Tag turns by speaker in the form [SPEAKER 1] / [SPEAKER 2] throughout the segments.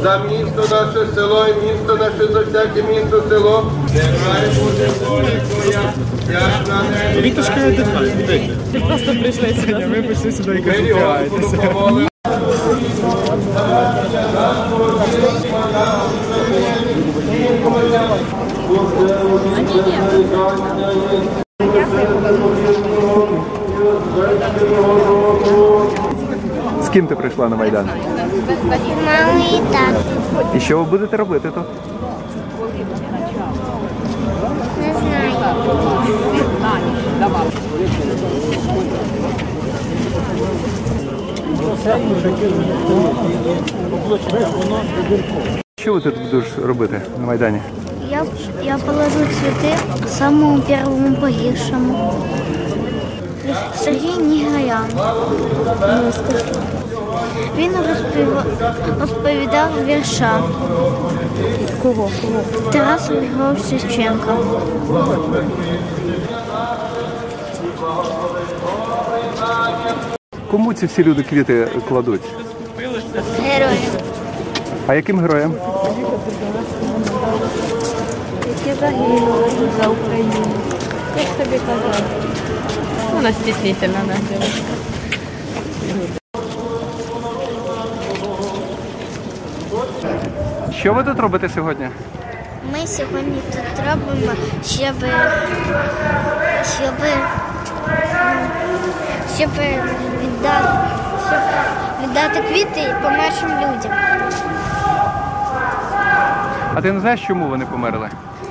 [SPEAKER 1] за місто наше село і місто наше, за всяке місто село. Нехай буде воля Твоя, як на небі.
[SPEAKER 2] Віточка віддихає. Ви просто прийшли сьогодні, ви прийшли сюди і концентруєтеся.
[SPEAKER 3] З ким ти прийшла на Майдан?
[SPEAKER 4] Мама і тато.
[SPEAKER 3] І що ви будете робити тут?
[SPEAKER 4] Не знаю.
[SPEAKER 3] Що ви тут будеш робити на Майдані?
[SPEAKER 4] Я положу цветы самому первому погибшему. Сергій Нігаян. Він розповідав вірша.
[SPEAKER 2] Кого?
[SPEAKER 4] Тараса Григоровича Шевченка.
[SPEAKER 3] Кому ці всі люди квіти кладуть?
[SPEAKER 4] Герой.
[SPEAKER 3] А яким героям?
[SPEAKER 5] Які загинули за Україну. Як тобі казати? Вона стіснительна, да, дівчинка.
[SPEAKER 3] Що ви тут робите сьогодні?
[SPEAKER 4] Ми сьогодні тут робимо, щоб віддати квіти помершим людям.
[SPEAKER 3] А ти не знаєш, чому вони померли?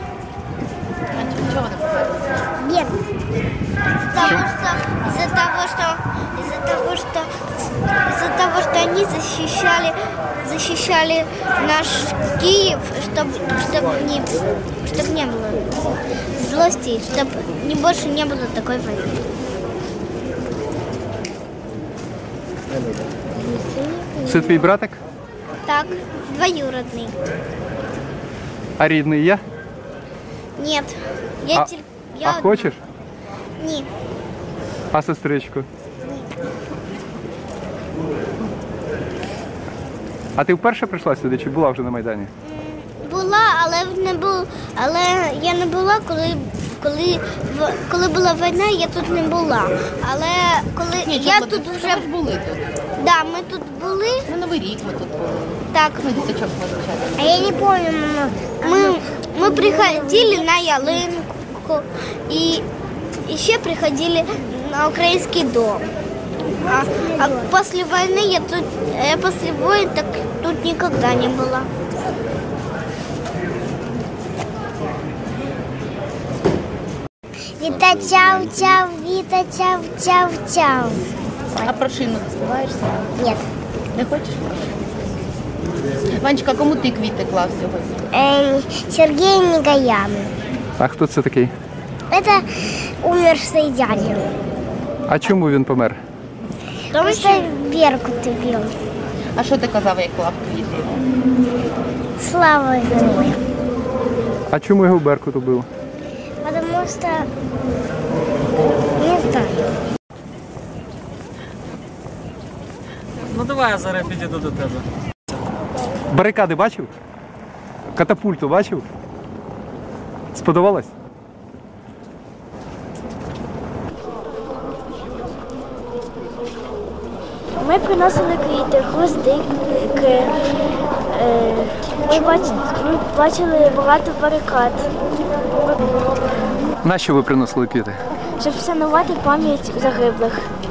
[SPEAKER 5] Чого ти померла?
[SPEAKER 4] Нет. Из-за того, что они защищали наш Киев, чтобы не было злости, чтобы больше не было такой войны.
[SPEAKER 3] Це твій братик?
[SPEAKER 4] Так, двоюродный.
[SPEAKER 3] А рідний є?
[SPEAKER 4] Нет.
[SPEAKER 3] А хочеш?
[SPEAKER 4] Ні.
[SPEAKER 3] А сестричку? А ти вперше прийшла сюди чи була вже на Майдані?
[SPEAKER 4] Була, але я не була, коли була війна, я тут не була. Але коли я тут вже
[SPEAKER 5] були тут.
[SPEAKER 4] Да, ми тут були.
[SPEAKER 5] На Новий рік ми тут були.
[SPEAKER 4] Так.
[SPEAKER 5] Ми діточок позичали.
[SPEAKER 4] А я не пам'ятаю, мама. Ми приходили на ялинку і ще приходили на український дом. А после войны я после войны так тут никогда не была. Віта чау-чау, Віта чау-чау-чау.
[SPEAKER 5] А про шину заспіваєшся?
[SPEAKER 4] Нет.
[SPEAKER 5] Не хочеш? Ванечка, кому ти квіти клав сьогодні?
[SPEAKER 4] Сергей Нігаян.
[SPEAKER 3] А хто це такий?
[SPEAKER 4] Это умерший дядя.
[SPEAKER 3] А чому він помер?
[SPEAKER 4] Потому что Беркут убил.
[SPEAKER 5] А що ти казав, як клав квіти?
[SPEAKER 4] Слава героям.
[SPEAKER 3] А чому його Беркут убив?
[SPEAKER 4] Потому что не знаю.
[SPEAKER 2] Ну давай я зараз підійду до тебе.
[SPEAKER 3] Барикади бачив? Катапульту бачив? Сподобалось?
[SPEAKER 4] Ми приносили квіти, гвоздики. Ми бачили багато барикад.
[SPEAKER 3] Нащо ви приносили квіти?
[SPEAKER 4] Щоб вшанувати пам'ять загиблих.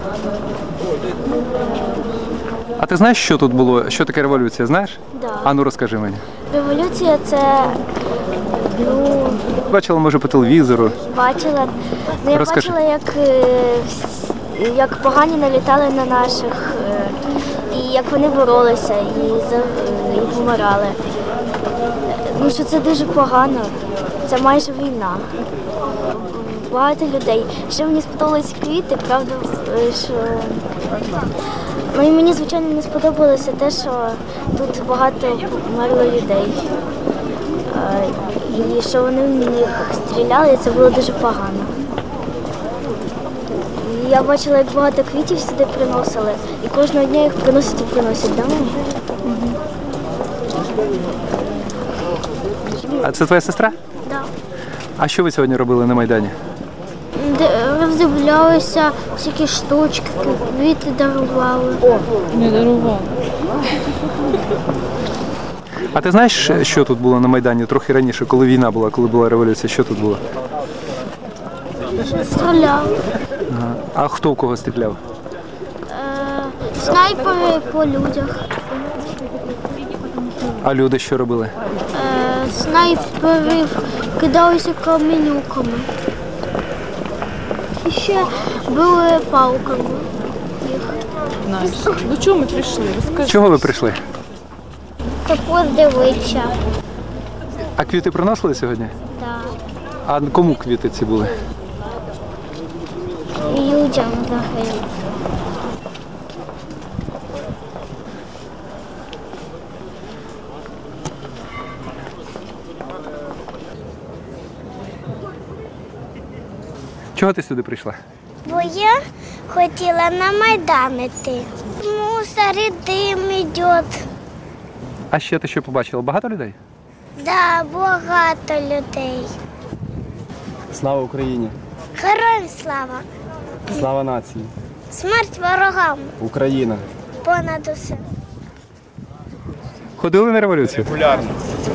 [SPEAKER 3] А ти знаєш, що тут було? Що таке революція, знаєш?
[SPEAKER 4] Да.
[SPEAKER 3] А ну розкажи мені.
[SPEAKER 4] Революція це,
[SPEAKER 3] Бачила, може, по телевізору.
[SPEAKER 4] бачила. Я
[SPEAKER 3] Розкажи.
[SPEAKER 4] бачила, як погані налітали на наших, і як вони боролися і помирали. Ну, що це дуже погано. Це майже війна. Багато людей. Ще мені сподобались квіти, правда, що... Ну і мені, звичайно, не сподобалося те, що тут багато померло людей. І що вони в них стріляли, і це було дуже погано. І я бачила, як багато квітів сюди приносили, і кожного дня їх приносять і приносять, да?
[SPEAKER 3] А це твоя сестра?
[SPEAKER 4] Да.
[SPEAKER 3] А що ви сьогодні робили на Майдані?
[SPEAKER 4] Роздивлялися всякі штучки, квіти дарували.
[SPEAKER 5] Не дарував.
[SPEAKER 3] А ти знаєш, що тут було на Майдані трохи раніше, коли війна була, коли була революція? Що тут було?
[SPEAKER 4] Стріляли.
[SPEAKER 3] Ага. А хто в кого стріляв?
[SPEAKER 4] Снайпери по людях.
[SPEAKER 3] А люди що робили?
[SPEAKER 4] Снайперів кидалися каменюками. І ще били палками.
[SPEAKER 5] Знаєш. До чого ми прийшли? Розкажи.
[SPEAKER 3] Чого ви прийшли?
[SPEAKER 4] Та подивитися.
[SPEAKER 3] А квіти приносили сьогодні?
[SPEAKER 4] Так.
[SPEAKER 3] А кому квіти ці були?
[SPEAKER 4] Людям загиблим.
[SPEAKER 3] Чого ти сюди прийшла?
[SPEAKER 4] Бо я хотіла на Майдан іти. Мусор і дим йде.
[SPEAKER 3] А ще ти що побачила? Багато людей?
[SPEAKER 4] Да, багато людей.
[SPEAKER 2] Слава Україні!
[SPEAKER 4] Героям слава!
[SPEAKER 2] Слава нації!
[SPEAKER 4] Смерть ворогам!
[SPEAKER 2] Україна!
[SPEAKER 4] Понад усе!
[SPEAKER 3] Ходили на революцію?
[SPEAKER 2] Популярно!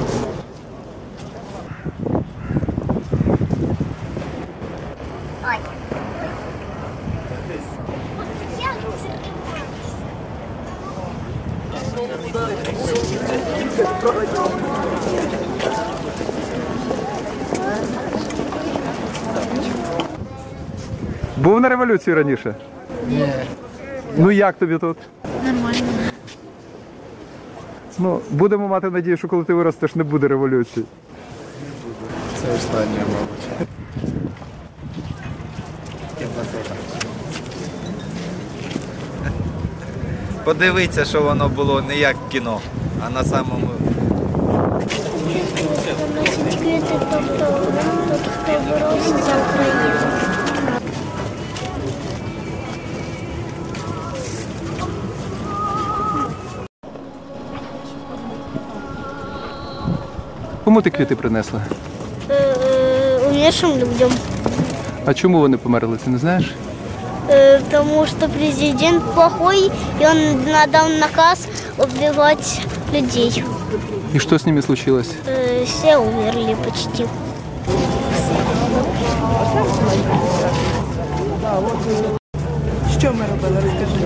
[SPEAKER 3] Був на революції раніше? Ні. Ну як тобі тут?
[SPEAKER 4] Нормально.
[SPEAKER 3] Ну, будемо мати надію, що коли ти виростеш, не буде революції.
[SPEAKER 2] Це останнє, мабуть.
[SPEAKER 6] Подивіться, що воно було не як кіно, а на самому.
[SPEAKER 4] Носить квіти, тобто тут хто боровся за Україну.
[SPEAKER 3] Кому ти квіти принесла?
[SPEAKER 4] Умершим людям.
[SPEAKER 3] А чому вони померли, ти не знаєш?
[SPEAKER 4] Потому что президент плохой, и он надал наказ убивать людей.
[SPEAKER 3] І що з ними случилось?
[SPEAKER 4] Все умерли почти.
[SPEAKER 5] Що ми робили? Розкажи.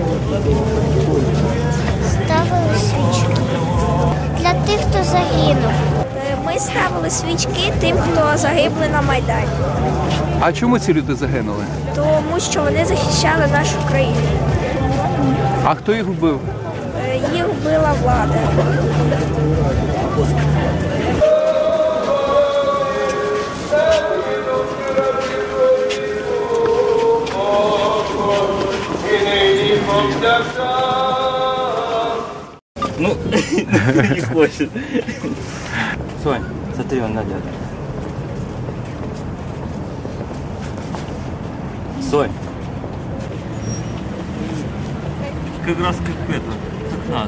[SPEAKER 4] Ставили свічки для тих, хто загинув.
[SPEAKER 7] Ми ставили свічки тим, хто загибли на Майдані,
[SPEAKER 3] А чому ці люди загинули?
[SPEAKER 7] тому що вони захищали нашу країну.
[SPEAKER 3] А хто їх вбив?
[SPEAKER 7] Їх вбила влада.
[SPEAKER 6] Ну, не хочет. Сонь, смотри, он надет. Сонь. Как раз как это, как надо.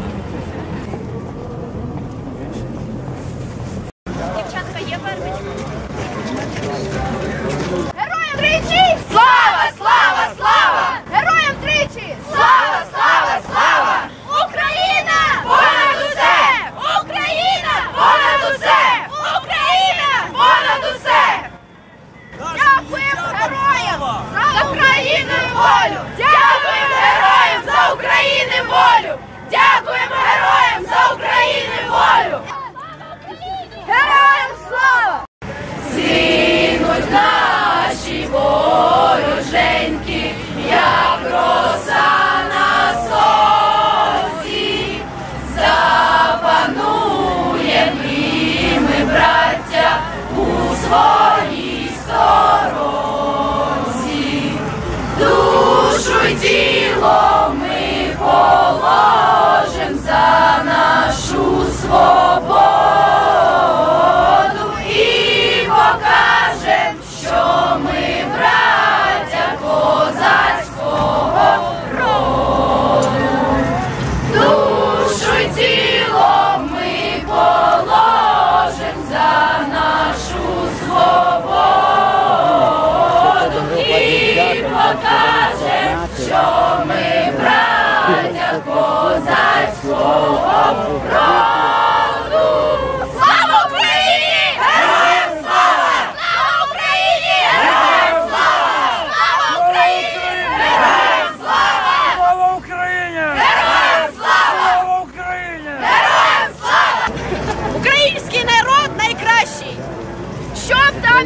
[SPEAKER 8] Героям тричі! Слава, слава, слава! Героям тричі! Слава, слава, слава! Україна! Понад усе! Україна! Понад усе! Україна! Понад усе! Дякуємо героям за Україну і волю! Дякуємо героям за Україну і волю! Дякуємо героям за Україну і волю! Героям слава! Зінуть наші вороженьки, як роса на сонці, запануєм і ми, браття, у своїй сторонці. Душу й тіло ми положим за нашу свободу. Покажем, що ми браття козацького роду. Душу й тіло ми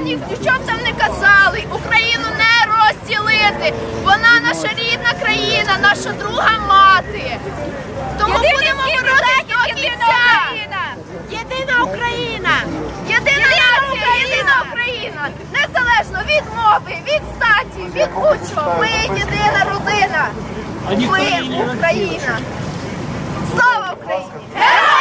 [SPEAKER 8] що б там не казали, Україну не розділити. Вона наша рідна країна, наша друга мати. Тому будемо боротися до кінця. Єдина Україна! Єдина нація, єдина Україна! Незалежно від мови, від статі, від будь-чого. Ми єдина родина. Ми Україна. Слава Україні! Героям!